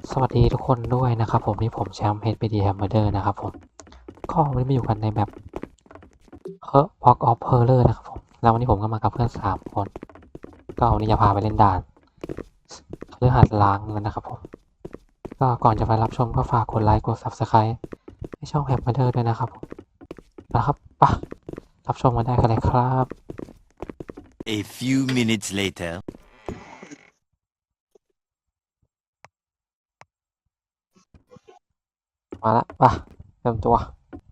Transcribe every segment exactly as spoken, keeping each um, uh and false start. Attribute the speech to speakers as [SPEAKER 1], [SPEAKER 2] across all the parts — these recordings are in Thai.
[SPEAKER 1] สวัสดีทุกคนด้วยนะครับผมนี่ผมแชมป์ เอช พี ดี Hammerder นะครับผมก็วันนี้มาอยู่กันในแบบ Walk of Horror นะครับผมแล้ววันนี้ผมก็มากับเพื่อนสามคนก็วันนี้จะพาไปเล่นด่านเรื่องหัดล้างกันนะครับผมก็ก่อนจะไปรับชมก็ฝากกดไลค์กด Subscribe ให้ช่อง Hammerder ด้วยนะครับผมนะครับปะรับชมกันได้กันเลยครับ
[SPEAKER 2] A few minutes later.
[SPEAKER 1] มาละปะเริ่มตัว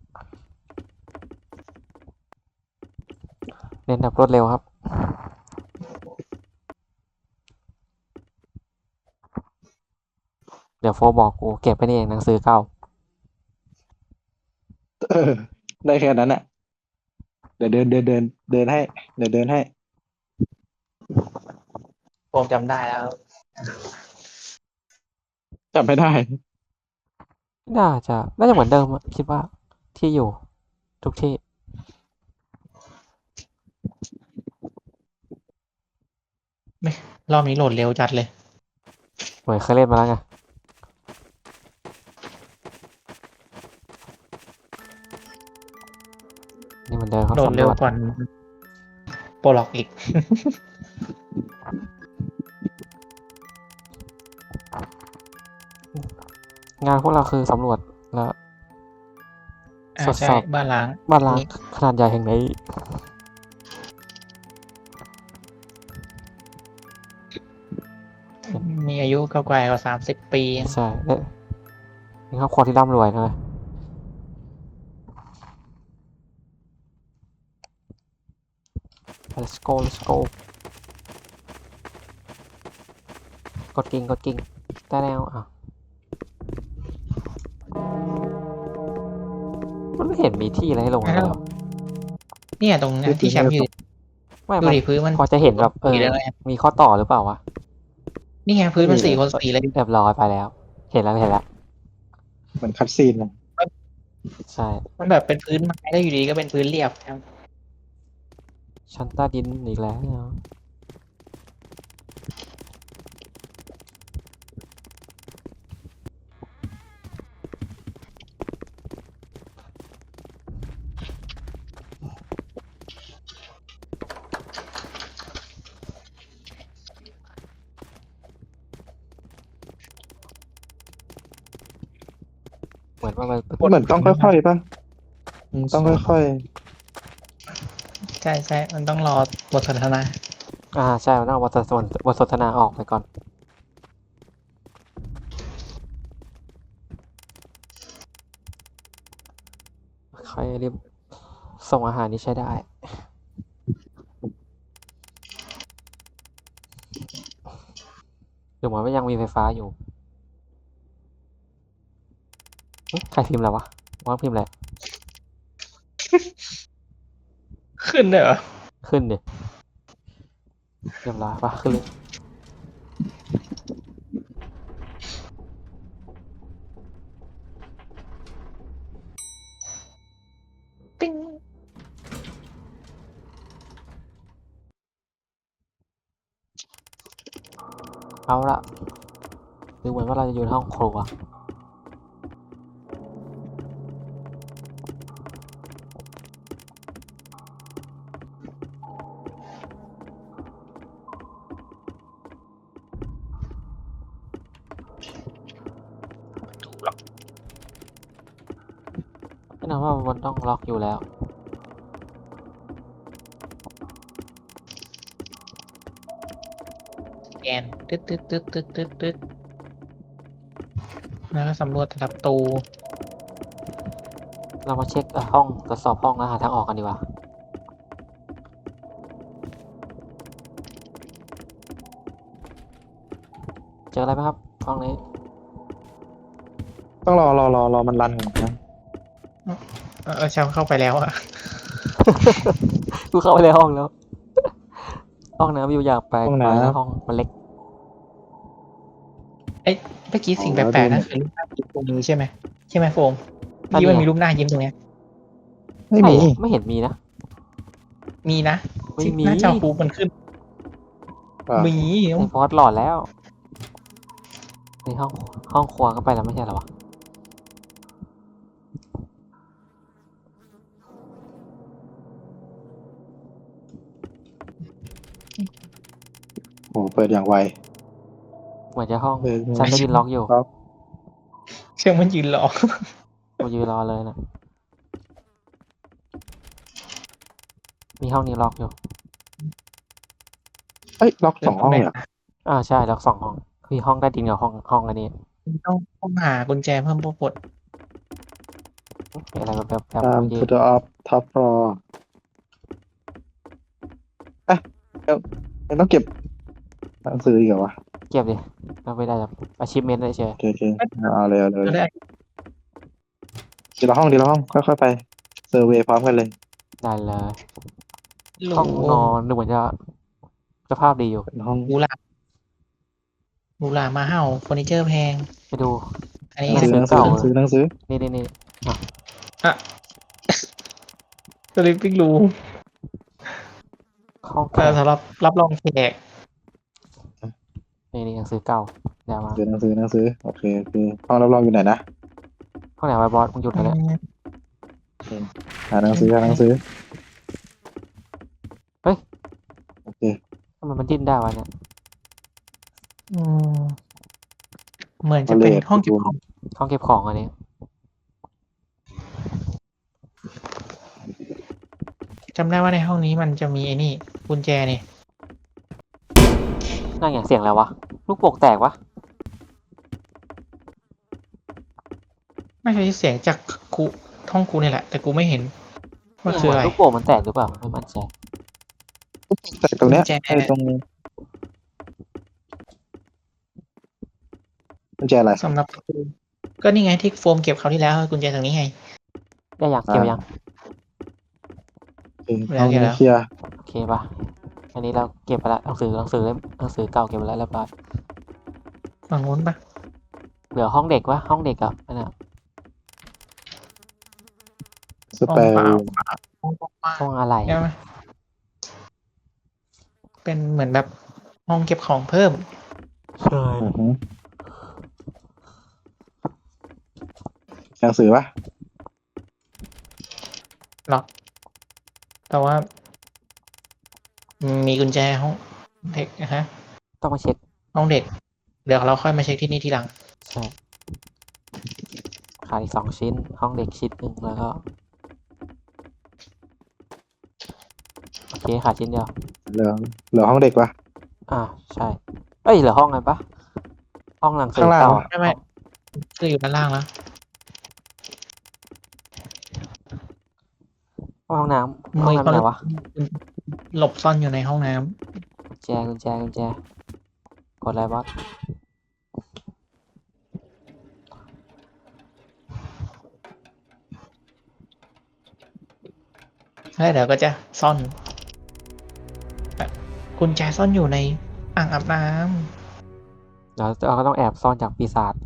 [SPEAKER 1] เล่นแบบรวดเร็วครับเดี๋ยวโฟบอกกูเก็บไปนี่เองหนังสือเก่า
[SPEAKER 3] เออได้แค่นั้นแหละเดี๋ยวเดินเดินเดินเดินให้เดี๋ยวเดินให้
[SPEAKER 4] ผมจำได้แล้ว
[SPEAKER 3] จำไม่ได้
[SPEAKER 1] น่าจะน่าจะเหมือนเดิมอะคิดว่าที่อยู่ทุกที่
[SPEAKER 4] รอบนี้โหลดเร็วจัดเลย
[SPEAKER 1] เหมือนเคยเล่นมาแล้วไงนี่เหมือนเดิมครับ
[SPEAKER 4] โหลด
[SPEAKER 1] สำร
[SPEAKER 4] เร็ว
[SPEAKER 1] วจ
[SPEAKER 4] กว่าโปรล็อกอีก
[SPEAKER 1] งานพวกเราคือสำรวจแล้ว
[SPEAKER 4] อ่า
[SPEAKER 1] ทด
[SPEAKER 4] ใช่
[SPEAKER 1] สอบ
[SPEAKER 4] บ้านล้าง
[SPEAKER 1] บ้านล้างขนาดใหญ่แห่งนี้
[SPEAKER 4] มีอายุเก่ากว่าสามสิบปี
[SPEAKER 1] ใช่เนี่ยนี่ครอบครัวที่ร่ำรวยนะ let's go let's go กดกิ่งกดกิ่งได้แล้วอ่ะมันไม่เห็นมีที่อะไรให้ลงเลยเหรอ
[SPEAKER 4] เนี่ยตรงเนี้ยที่แชมป์ยืน
[SPEAKER 1] ไม่
[SPEAKER 4] ดู
[SPEAKER 1] มัน
[SPEAKER 4] ดิพื้นมัน
[SPEAKER 1] พอจะเห็นแบบเออ
[SPEAKER 4] สีอะไร
[SPEAKER 1] มีข้อต่อหรือเปล่าวะ
[SPEAKER 4] นี่ไงพื้นมันสี่คนสี่เลย
[SPEAKER 1] เรียบร้อยไปแล้ว เห็นแล้วเห็นแล้ว
[SPEAKER 3] เหมือนคัดซีนเลย
[SPEAKER 1] ใช่
[SPEAKER 4] มันแบบเป็นพื้นไม้ได้อยู่ดีก็เป็นพื้นเรียบครับ
[SPEAKER 1] ชั้นใต้ดินอีกแล้วเหมือนว่ามัน
[SPEAKER 3] เหมือนต้องค่อยๆป่ะอืมต้องค่อย
[SPEAKER 4] ใช่ใช่มันต้องรอบทสนทนา
[SPEAKER 1] อ่าใช่มันต้องเอาบทสนบทสนทนาออกไปก่อนใครรีบส่งอาหารนี่ใช้ได้หรือเหมือนว่ายังมีไฟฟ้าอยู่เอ๊ะใครพิมพ์แล้ววะว่าพิมพ์แหละ
[SPEAKER 4] ขึ้นเลยเหรอ
[SPEAKER 1] ขึ้นดิเรียบร้อยปะขึ้นเลย
[SPEAKER 4] ปิ้ง
[SPEAKER 1] เอาละดูเหมือนว่าเราจะอยู่ในห้องครัวแน่นอนว่ามันต้องล็อกอยู่แล้ว
[SPEAKER 4] แกนตึ๊ดตึ๊ดตึ๊ดตึ๊ดตึ๊ดตึ๊ดแล้วก็สำรวจแต่ละประตู
[SPEAKER 1] เรามาเช็คเอ่อห้องตรวจสอบห้องแล้วหาทางออกกันดีกว่าเจออะไรไหมครับห้องนี้
[SPEAKER 3] ๆต้องรอรอรอรอมันรันก่อนนะ
[SPEAKER 4] เออแชมป์เข้าไปแล้วอะ
[SPEAKER 1] กูเข้าไปในห้องแล้ว ห้องน้ำอยู่อย่างแปลกไปแล้วห้องมันเล็ก
[SPEAKER 4] เมื่อกี้สิ่งแปลกๆนั่นคือรูปหน้ายิ้มตรงนี้ใช่ไหมใช่ไหมโฟมเมื่อกี้มันมีรูปหน้ายิ้มตรงเนี้ย
[SPEAKER 3] ไม่มี
[SPEAKER 1] ใช่ไม่เห็นมีนะ
[SPEAKER 4] มีนะ
[SPEAKER 1] ไม่
[SPEAKER 4] ที่
[SPEAKER 1] มี
[SPEAKER 4] หน้าจอคูมันขึ้น
[SPEAKER 3] อ่ะ
[SPEAKER 4] มี
[SPEAKER 1] ไอ้ฟอสหลอดแล้วในห้องห้องครัวก็ไปแล้วไม่ใช่เหรอวะ
[SPEAKER 3] โอ้เปิดอย่างไว
[SPEAKER 1] เหมือนจะห้อง
[SPEAKER 3] เปิด
[SPEAKER 1] ฉันได้ยินล็อกอยู่
[SPEAKER 3] ล็อก
[SPEAKER 4] เชื่อมันยืนรอ
[SPEAKER 1] กูยืนรอเลยนะมีห้องนี้ล็อกอยู่
[SPEAKER 3] เอ้ยล็อกสองห้องเลยเหรอ
[SPEAKER 1] อ่าใช่ล็อกสองห้องมีห้องใต้ดินกับห้องห้องอันนี้
[SPEAKER 4] ต้องต้องหากุญแจเพิ่มปรด
[SPEAKER 1] มีอะไรแบบแบบแบบ
[SPEAKER 3] ตาม
[SPEAKER 1] เมื่อกี้
[SPEAKER 3] to the up top floor เอ๊ะเดี๋ยวยังต้องเก็บหนังสืออีกเหรอวะ
[SPEAKER 1] เก็บดิเราไม่ได้แบบ achievement เลยเฉย
[SPEAKER 3] โอเคโอเคเอาเลยเอาเลย
[SPEAKER 4] ก็ได้
[SPEAKER 3] ทีละห้องทีละห้องค่อยๆไปเซอร์เวย์พร้อมกันเลย
[SPEAKER 1] ได้เลย
[SPEAKER 4] หรู
[SPEAKER 1] ห้องนอนดูเหมือนจะสภาพดีอยู่
[SPEAKER 3] เป็นห้อง
[SPEAKER 4] หรูหราหรูหรามาเห่าเฟอร์นิเจอร์แพง
[SPEAKER 1] ไปดู
[SPEAKER 4] อัน
[SPEAKER 3] ห
[SPEAKER 4] นี้
[SPEAKER 3] นังสือหนังสือหนังสือหนังสือ
[SPEAKER 1] นี่นี่นี่
[SPEAKER 4] อ่ะสลิปปิ้งรูม
[SPEAKER 1] ห้อง
[SPEAKER 4] เอ่
[SPEAKER 1] เก่า
[SPEAKER 4] อสำหรับรับรองแขก
[SPEAKER 1] นี่นี่หนังสือเก่าเดี๋ยวมา
[SPEAKER 3] หนังสือหนังสือโอเคโอเคห้องรับรองอยู่ไหนนะ
[SPEAKER 1] ห้องไหนไว้บอสมึงหยุดเลยเนี่ย
[SPEAKER 3] หาหนังสือหาหนังสือ
[SPEAKER 1] เฮ้ย
[SPEAKER 3] โอเค
[SPEAKER 1] ทำไมมันดิ้นได้วะเนี่ย
[SPEAKER 4] อืมเหมือนจะเป็นห้องเก็บของ
[SPEAKER 1] ห้องเก็บของอันนี้
[SPEAKER 4] จำได้ว่าในห้องนี้มันจะมีไอ้นี่กุญแจนี่
[SPEAKER 1] นั่นไงเสียงอะไรวะลูกโป่งแตกวะ
[SPEAKER 4] ไม่ใช่เสียงจากกูห้องกูนี่แหละ แต่กูไม่เห็นว่าคืออะไร
[SPEAKER 1] ลูกโป่งมันแตกหรือเปล่าไม่มั่นใจ
[SPEAKER 3] แต่ตรงเนี้ย
[SPEAKER 4] กุญแจ
[SPEAKER 3] ไอ้ตรงกุญแจอะไร
[SPEAKER 4] สำหรับประตูก็นี่ไงที่โฟมเก็บคราวที่แล้วกุญแจตรงนี้ไง
[SPEAKER 1] ได้ยังเกี่ยวยัง
[SPEAKER 3] โอเคห้องนี้เคลียร์
[SPEAKER 1] โอเคป่ะอันนี้เราเก็บไปละหนังสือหนังสือเล่มหนังสือเก่าเก็บไปแล้วเรียบร้อย
[SPEAKER 4] ฝั่งนู้นปะ
[SPEAKER 1] เหลือห้องเด็กวะห้องเด็กกับอันน่ะ
[SPEAKER 3] สเปรย์
[SPEAKER 4] ห้องเปล่าห้องว่าง
[SPEAKER 1] ห้องอะไร
[SPEAKER 4] ใช่ไหมเป็นเหมือนแบบห้องเก็บของเพิ่ม
[SPEAKER 1] ใช่
[SPEAKER 3] อือหือหนังสือปะ
[SPEAKER 4] หรอก แต่ว่า มีกุญแจห้องเด็กนะฮะ
[SPEAKER 1] ต้องมาเช็ค
[SPEAKER 4] ห้องเด็ก เดี๋ยวเราค่อยมาเช็คที่นี่ทีหลัง
[SPEAKER 1] ใช่ขาดอีกสองชิ้น ห้องเด็กชิ้นหนึ่งแล้วก็โอเคขาดชิ้นเดียว
[SPEAKER 3] เหลือเหลือห้องเด็กปะ
[SPEAKER 1] อ่าใช่เอ้ยเหลือห้องไงปะห้องหนังสือ
[SPEAKER 3] ข้างล่าง
[SPEAKER 1] เก่า
[SPEAKER 4] ไม่ไม่คืออยู่ด้านล่างแล้ว
[SPEAKER 1] ห้องน้ำห้องน้ำไหนวะ
[SPEAKER 4] หลบซ่อนอยู่ในห้องน้
[SPEAKER 1] กุญแจกุญแจกุญแจกดอะไรบอส
[SPEAKER 4] ำแล้วเดี๋ยวก็จะซ่อนกุญแจซ่อนอยู่ในอ่างอาบน้
[SPEAKER 1] เดี๋ยวเราก็ต้องแอบซ่อนจากปีศาจ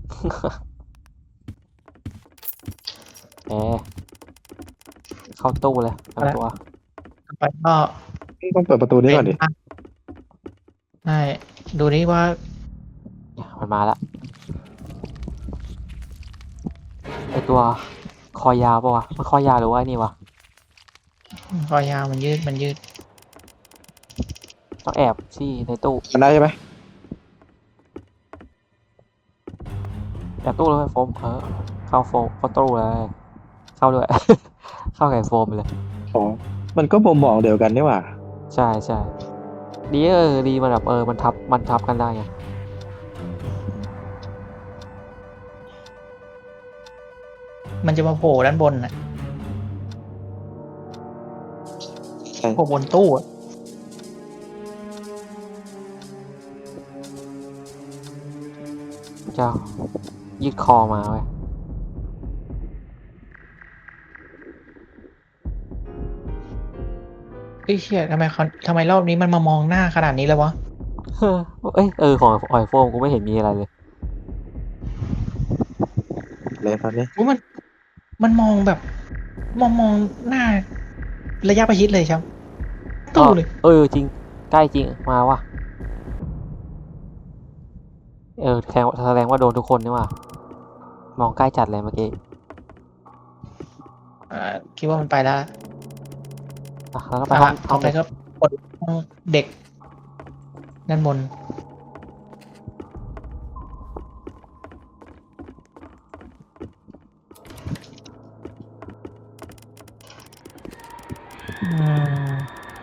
[SPEAKER 1] เอ๊ะเข้าตู้เลยเอาตัว
[SPEAKER 4] ำไปก็
[SPEAKER 3] ต้องเปิดประตูนี้ก่อนดิ
[SPEAKER 4] ใช่ดูนี่ว่า
[SPEAKER 1] เนี่ยมันมาแล้วไอตัวคอยาวปะวะมันคอยาวหรือว่าไอ้นี่วะ
[SPEAKER 4] คอยาวมันยืดมันยืด
[SPEAKER 1] ต้องแอบที่ในตู้
[SPEAKER 3] มันได้ใช่ไหม
[SPEAKER 1] แอบตู้เลยโฟมเออเข้าโฟมเข้าตู้เลยเข้าด้วย เข้าไก่โฟมไปเลย
[SPEAKER 3] อ๋อมันก็บ่มบอกเดียวกันนี่หว่า
[SPEAKER 1] ใช่ใช่ดีเออดีมันแบบเออมันทับมันทับกันได้ไง
[SPEAKER 4] มันจะมาโผล่ด้านบนน่ะ
[SPEAKER 3] ใช่
[SPEAKER 4] โผล่บนตู้อะ
[SPEAKER 1] จะยืดคอมาเว้ย
[SPEAKER 4] เฮ้ยเชี่ยทำไมเขาทำไมรอบนี้มันมามองหน้าขนาดนี้เลยวะ
[SPEAKER 1] เฮ้อเอ้ยเออของหอยโฟมกูไม่เห็นมีอะไรเลย
[SPEAKER 3] เลยตอนนี้
[SPEAKER 4] อุ๊ยมัน มันมองแบบ มองมองหน้า ระยะประชิดเลยครับตู้เลย
[SPEAKER 1] เออจริงใกล้จริงมาว่ะเออแสดงแสดงว่าโดนทุกคนนี่หว่ามองใกล้จัดเลยเมื่อกี้
[SPEAKER 4] อ่าคิดว่ามันไปแล้ว
[SPEAKER 1] อ่ะแล้วก็ไป
[SPEAKER 4] อ่ะ
[SPEAKER 1] ห้องห้
[SPEAKER 4] ต่
[SPEAKER 1] อ
[SPEAKER 4] อง ไป
[SPEAKER 1] เด็ก
[SPEAKER 4] ก็กดห้องเด็กด้านบนอืม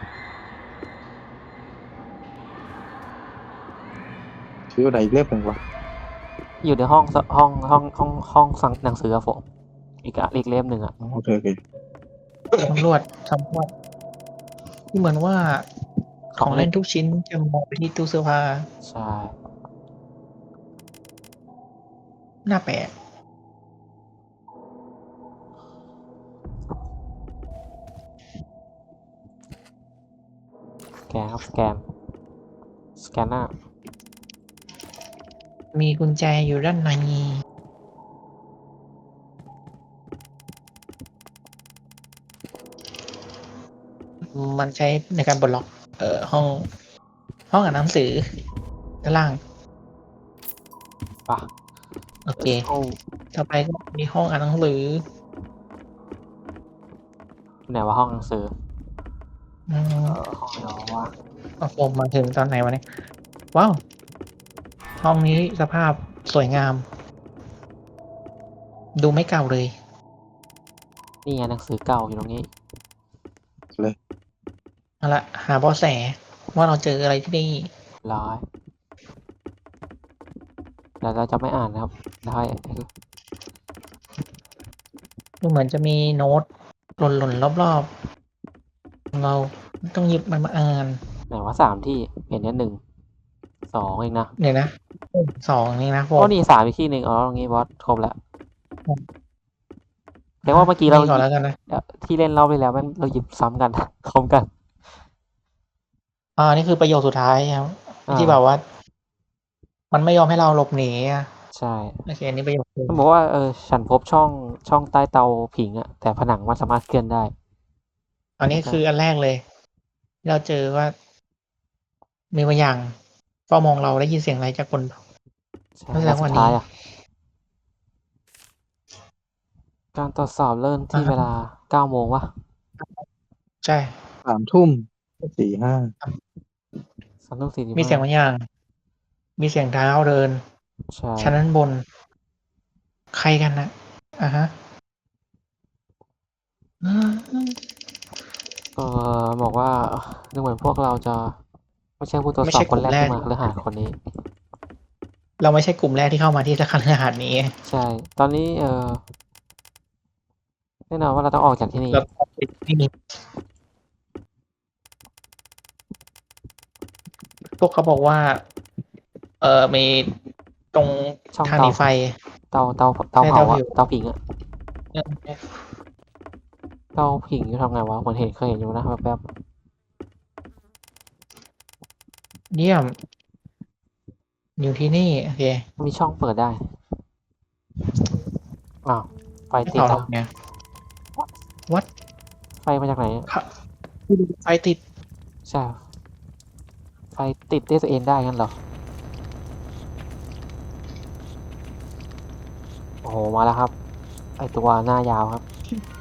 [SPEAKER 3] ชื่ออะไรอีกเล่มหนึ่งวะ
[SPEAKER 1] อยู่ในห้องสห้องห้องห้องห้องฟังหนังสืออะผมอีกอะอีกเล่มหนึ่งอะ
[SPEAKER 3] อ๋อโอเคโอเค
[SPEAKER 4] สำรวจสำรวจเหมือนว่า
[SPEAKER 1] ข
[SPEAKER 4] ข
[SPEAKER 1] อ
[SPEAKER 4] อง ง
[SPEAKER 1] เล่
[SPEAKER 4] เล่
[SPEAKER 1] น
[SPEAKER 4] นทุกชิ้นจะมองไปที่ตู้เสื้อผ้า
[SPEAKER 1] ใช่
[SPEAKER 4] หน้าแปลก
[SPEAKER 1] สแกนครับสแกนสแกนหน้า
[SPEAKER 4] มีกุญแจอยู่ด้านในมันใช้ในการปลดล็อก เอ่อห้อง ห้องอ่านหนังสือด้านล่าง
[SPEAKER 1] ป่ะ
[SPEAKER 4] โอเค
[SPEAKER 1] โอ้
[SPEAKER 4] ต่อไปก็มีห้องอ่านหนังสือ
[SPEAKER 1] ไหนว่าห้องหนังสือ
[SPEAKER 4] อื
[SPEAKER 1] เอ
[SPEAKER 4] ม
[SPEAKER 1] อห้องไหนวะ
[SPEAKER 4] โอ้โหมาถึงตอนไหนวะเนี่ย ว้าว ห้องนี้สภาพสวยงาม ดูไม่เก่าเลย
[SPEAKER 1] นี่ไงหนังสือเก่าอยู่ตรงนี้
[SPEAKER 3] เลย
[SPEAKER 4] เอาละหาเบาะแสว่าเราเจออะไรที่นี่
[SPEAKER 1] ร้อยแล้วเราจะไม่อ่านนะครับได้
[SPEAKER 4] ดูเหมือนจะมีโน้ตหล่นๆรอบๆ เราต้องหยิบมันมาอ่าน
[SPEAKER 1] ไหนว่าสามที่เห็นแค่หนึ่งสองเองนะ
[SPEAKER 4] เดี๋ยวนะสองนี่นะผ
[SPEAKER 1] โอ้
[SPEAKER 4] ม
[SPEAKER 1] นี่สามอีกที่หนึ่งอ๋อตรงนี้บอสครบแล้วแต่ว่าเมื่อกี้เรา
[SPEAKER 4] ก่อนแล้วกันนะ
[SPEAKER 1] ที่เล่นรอบไปแล้วแม่งเราหยิบซ้ำกัน พร้อมกัน
[SPEAKER 4] อ่านี่คือประโยคสุดท้ายครับ
[SPEAKER 1] อ่า
[SPEAKER 4] ที่แบบว่า มันไม่ยอมให้เราหลบหนีอ่ะ
[SPEAKER 1] ใช่
[SPEAKER 4] โอเคอันนี้ประโยคนึง
[SPEAKER 1] มันบอกว่าเออฉันพบช่องช่องใต้เตาผิงอะแต่ผนังมันสามารถเคลื่อนได้
[SPEAKER 4] อันนี้คืออันแรกเลยที่เราเจอว่า มีบางอย่างเฝ้ามองเราได้ยินเสียงอะไรจากคน
[SPEAKER 1] ใช่
[SPEAKER 4] แล้วแสด
[SPEAKER 1] แล้ว
[SPEAKER 4] ง
[SPEAKER 1] สุ
[SPEAKER 4] ว่า
[SPEAKER 1] ด
[SPEAKER 4] นี้
[SPEAKER 1] ท้ายอะการตรวจสอบเริ่มที่
[SPEAKER 4] อ่าฮะ
[SPEAKER 1] เวลาเก้าโมงวะ
[SPEAKER 4] ใช่
[SPEAKER 3] สามทุ่มสี่ห้า
[SPEAKER 1] สามทุ่มสี่สิบ
[SPEAKER 4] มีเสียง
[SPEAKER 1] ห้า
[SPEAKER 4] บางอย่าง มีเสียงเท้าเดิน
[SPEAKER 1] ใช่
[SPEAKER 4] ชั้นด้านบน ใครกันนะอ่าฮะอืม
[SPEAKER 1] เออบอกว่าดูเหมือนพวกเราจะไม่ใช่ผู้ตรวจ
[SPEAKER 4] ไม่
[SPEAKER 1] สอ
[SPEAKER 4] ใช่
[SPEAKER 1] บคนแรก
[SPEAKER 4] กลุ่มแรก
[SPEAKER 1] ที่มาหรือหาคนนี้
[SPEAKER 4] เราไม่ใช่กลุ่มแรกที่เข้ามาที่สถานอาหารนี้
[SPEAKER 1] ใช่ ตอนนี้เออแน่นอนว่าเราต้องออกจากที่นี่
[SPEAKER 4] แล้วก็ไม่มีพวกเขาบอกว่า เออมีตรง
[SPEAKER 1] ช่อง
[SPEAKER 4] ทางห
[SPEAKER 1] เตา
[SPEAKER 4] นีไฟ
[SPEAKER 1] เตาเตาเตา
[SPEAKER 4] ใช่
[SPEAKER 1] เผา
[SPEAKER 4] เตา
[SPEAKER 1] อะ
[SPEAKER 4] ผิว
[SPEAKER 1] เตาผิงอะ
[SPEAKER 4] เออ
[SPEAKER 1] เตาผิงจะทำไงวะเหมือนเห็นเคยเห็นอยู่นะแป๊บ
[SPEAKER 4] เยี่ยม อยู่ที่นี่ โอเค
[SPEAKER 1] ๆมีช่องเปิดได้อ้าวไฟ
[SPEAKER 4] ไม่
[SPEAKER 1] ติด
[SPEAKER 4] เผาหร
[SPEAKER 1] อะ
[SPEAKER 4] อกเนี่ย วัด
[SPEAKER 1] ไฟมาจากไหนอะ
[SPEAKER 4] ไฟติด
[SPEAKER 1] ใช่ ไฟติดด้วยตัวเองได้งั้นเหรอ โอ้โห มาแล้วครับ ไอตัวหน้ายาวครับ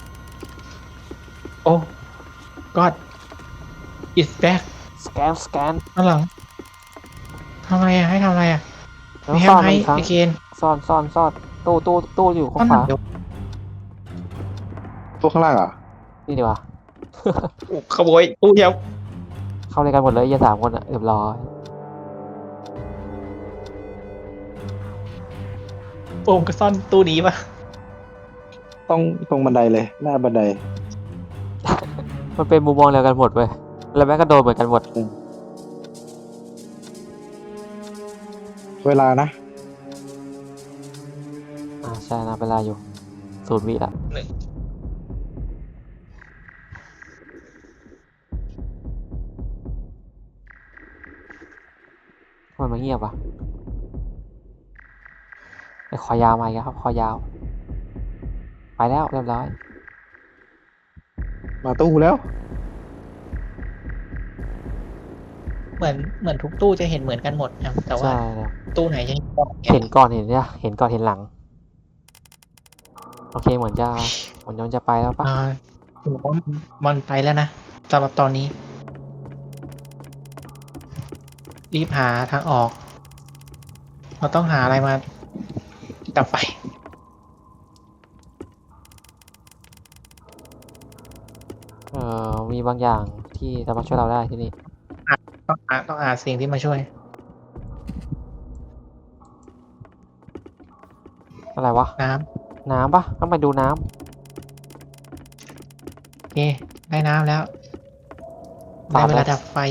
[SPEAKER 4] โอ้ god it's back
[SPEAKER 1] สแกน สแกน
[SPEAKER 4] ข้างหลังทำอะไรอ่ะ ให้ทำอะไรอ่ะ
[SPEAKER 1] แล้ว
[SPEAKER 4] มี
[SPEAKER 1] ซ่อน
[SPEAKER 4] ให้
[SPEAKER 1] มันอีกครั้ง
[SPEAKER 4] ไอเคน
[SPEAKER 1] ซ่อนซ่อนซ่อนตู้ตู้ตู้อยู่ข้างขวา
[SPEAKER 4] เดี๋ยว
[SPEAKER 3] พวกข้างล่างเหรอ่ะ
[SPEAKER 1] นี่ดีกว่า
[SPEAKER 4] ขโมยตู้เดียว
[SPEAKER 1] เข้าเลยกันหมดเลยยี่สามคนอะเรียบร้อย
[SPEAKER 4] โอมก็ซ่อนตู้นี้ปะ
[SPEAKER 3] ต้องตรงบันไดเลย หน้าบันได
[SPEAKER 1] มันเป็นมุมมองเดียวกันหมดเว้ยแล้วแม่งก็โดนเหมือนกันหมด
[SPEAKER 3] เวลานะ
[SPEAKER 1] อ่าใช่นะเวลาอยู่ศูนย์วิละ
[SPEAKER 4] หนึ่ง
[SPEAKER 1] ทำไมมันเงียบวะไอคอยาวมาอีกแล้วครับคอยาว ไปแล้วเรียบร้อย
[SPEAKER 3] มาตู้แล้ว
[SPEAKER 4] เหมือนเหมือนทุกตู้จะเห็นเหมือนกันหมดครับแต่ว่า
[SPEAKER 1] ใช่ครับ
[SPEAKER 4] ตู้ไหนจะเห็นก่อน
[SPEAKER 1] เห็นก่อนเห็นเนี่ยเห็นก่อนเห็นหลัง โอเคเหมือนจะเหมือนมันจะไปแล้วปะ
[SPEAKER 4] อ่าผมว่ามันไปแล้วนะสำหรับตอนนี้ รีบหาทางออก เราต้องหาอะไรมาดับไฟ
[SPEAKER 1] เอ่อมีบางอย่างที่สามารถช่วยเราได้ที่นี่
[SPEAKER 4] ต้องหาต้องหาสิ่งที่มาช่วย
[SPEAKER 1] อะไรวะ
[SPEAKER 4] น้
[SPEAKER 1] น้ำปะต้องไปดูน้ำ
[SPEAKER 4] ำโอเค ได้น้ำแล้ว
[SPEAKER 1] ปา
[SPEAKER 4] ได้
[SPEAKER 1] ด
[SPEAKER 4] เว
[SPEAKER 1] เล
[SPEAKER 4] ลาย ดับไฟ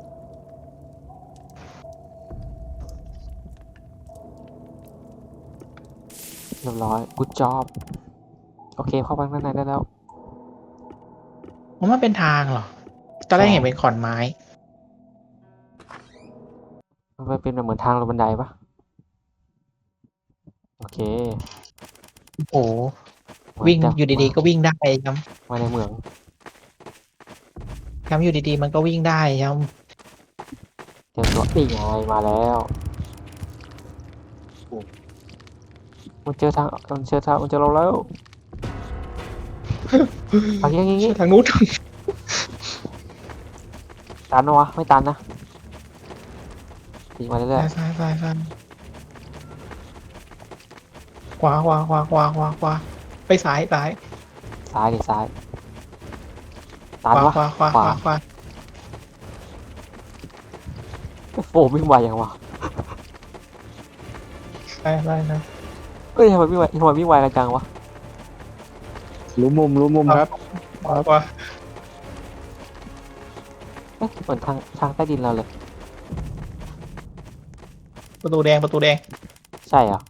[SPEAKER 1] เรียบร้อย good job โอเคเข้าไปข้างในได้แล้ว
[SPEAKER 4] มันเป็นทางเหรอ ตอนแรก
[SPEAKER 1] ใช่
[SPEAKER 4] เห็นเป็นขอนไม้
[SPEAKER 1] มันเป็นเหมือนทางลงบันไดปะโอเค
[SPEAKER 4] โอ้โห
[SPEAKER 1] เหมือน
[SPEAKER 4] วิ่ง
[SPEAKER 1] จะ
[SPEAKER 4] อยู่ดีๆ ก็วิ่งได้ครับ
[SPEAKER 1] มาในเมือง
[SPEAKER 4] ครับอยู่ดีๆ มันก็วิ่งได้ครับ
[SPEAKER 1] เตรียมตัวนี่ไงมาแล้วมันเจอทางมันเจอทางมันเจอเราแล้วเอันนี้อย่างงี้
[SPEAKER 4] ทางนู้น
[SPEAKER 1] ตันนะวะไม่ตันนะตีมาเรื่อย
[SPEAKER 4] ซ้ายซ้ายซ้ายขวาขวาขวาขวาขวาขวาไปซ้ายซ้าย
[SPEAKER 1] ๆซ้ายดิซ้าย
[SPEAKER 4] ข
[SPEAKER 1] ตัน
[SPEAKER 4] วาว
[SPEAKER 1] ะ
[SPEAKER 4] ขวาขวาขวาขวา
[SPEAKER 1] โฟมวิ่งไวยังวะ
[SPEAKER 4] ซ้ายซ้ายซ้าย
[SPEAKER 1] เอ้ยทำไมวิ่งไวทำไมวิ่งไวกันจังวะ
[SPEAKER 3] รู้มุมรู้มุมครับ
[SPEAKER 4] ขวาขวา
[SPEAKER 1] เอ๊ะเหมือนทางทางใต้ดินเราเลย
[SPEAKER 4] ประตูแดงประตูแดง
[SPEAKER 1] ใช่เหรอ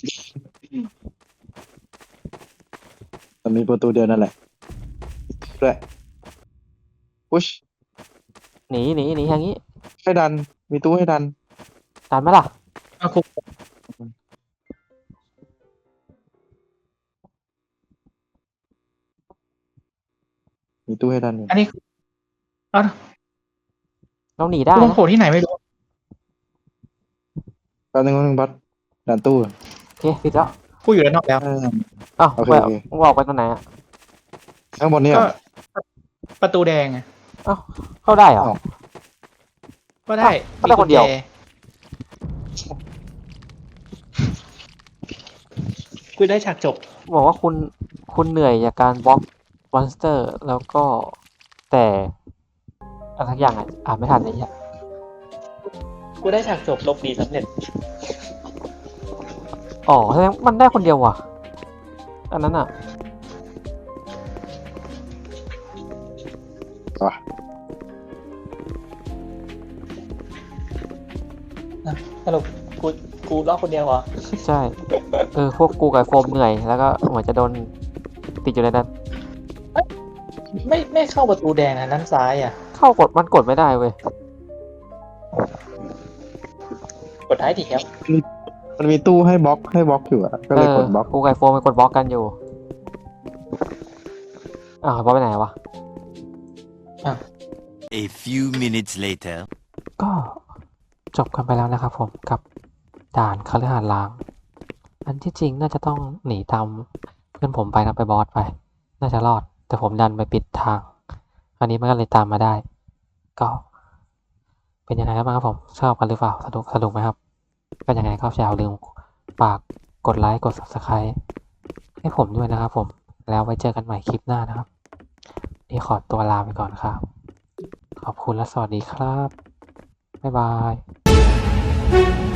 [SPEAKER 3] มันมีประตูเดียวนั่นแหละด้วยพุช
[SPEAKER 1] หนีหนีหนีทางนี้
[SPEAKER 3] ให้ดัน มีตู้ให้ดัน
[SPEAKER 1] ตันไหมล่ะ
[SPEAKER 4] เอาคุก
[SPEAKER 3] มีตู้ให้ดันอยู่
[SPEAKER 4] อันนี้เอ้า
[SPEAKER 1] เราหนีได้
[SPEAKER 4] มัน
[SPEAKER 1] นะ
[SPEAKER 4] โผล่ที่ไหนไม่รู้
[SPEAKER 3] แป๊บนึงแป๊บนึงบัสดันตู้
[SPEAKER 1] โอเคปิดแล้ว
[SPEAKER 4] กูอยู่ด้านนอกแล้ว
[SPEAKER 3] เออ
[SPEAKER 1] อ้าว
[SPEAKER 3] โอเค
[SPEAKER 1] ไป
[SPEAKER 3] โอเค
[SPEAKER 1] มึงออกไปตรงไหนอ่ะ
[SPEAKER 3] ข้างบนเนี่ย
[SPEAKER 4] ก็ประตูแดงอะ
[SPEAKER 1] เข้าได้เหรอ
[SPEAKER 3] อ้าว
[SPEAKER 4] ก็ได้
[SPEAKER 1] ก็ได้คนเดียว
[SPEAKER 4] มีกุญแจกูได้ฉากจบ
[SPEAKER 1] บอกว่าคุณคุณเหนื่อยจากการบล็อกมอนสเตอร์ แล้วก็แต่อะไรสักอย่างอ่ะอ่านไม่ทันเลยเนี่ย
[SPEAKER 4] กูได้ฉากจบลบดีสำเร็จ
[SPEAKER 1] อ๋อแสดงมันได้คนเดียวว่ะ อันนั้นอ่ะ
[SPEAKER 3] ว่ะ
[SPEAKER 4] สรุปกูกูรอดคนเดียวเหรอ
[SPEAKER 1] ใช่ เออ พวกกูกับโฟมเหนื่อย แล้วก็เหมือนจะโดนติดอยู่ในนั้น
[SPEAKER 4] ไม่ไม่เข้าประตูแดงนะด้านซ้ายอ่ะ
[SPEAKER 1] เข้ากดมันกดไม่ได้เว้ย
[SPEAKER 4] กดท้ายทีครับ
[SPEAKER 3] มันมีตู้ให้บล็อกให้บล็อกอยู่อะก็เลยกดบล็อก
[SPEAKER 1] กูกับโฟมไปกดบล็อกกันอยู่ อ้าวบล็อกไปไหนวะ
[SPEAKER 2] A few minutes later.
[SPEAKER 1] ก็จบกันไปแล้วนะครับผมกับด่านคฤหาสน์ล้าง อันที่จริงน่าจะต้องหนีตามเพื่อนผมไปนะไปบอสไป น่าจะรอด แต่ผมดันไปปิดทาง อันนี้มันก็เลยตามมาได้ ก็ เป็นยังไงกันบ้างครับผม ชอบกันหรือเปล่า สนุกสนุกไหมครับ ก็ยังไงก็อย่าลืมฝากกดไลค์กด Subscribe ให้ผมด้วยนะครับผม แล้วไว้เจอกันใหม่คลิปหน้านะครับ นี่ขอตัวลาไปก่อนครับ ขอบคุณและสวัสดีครับ บ๊ายบาย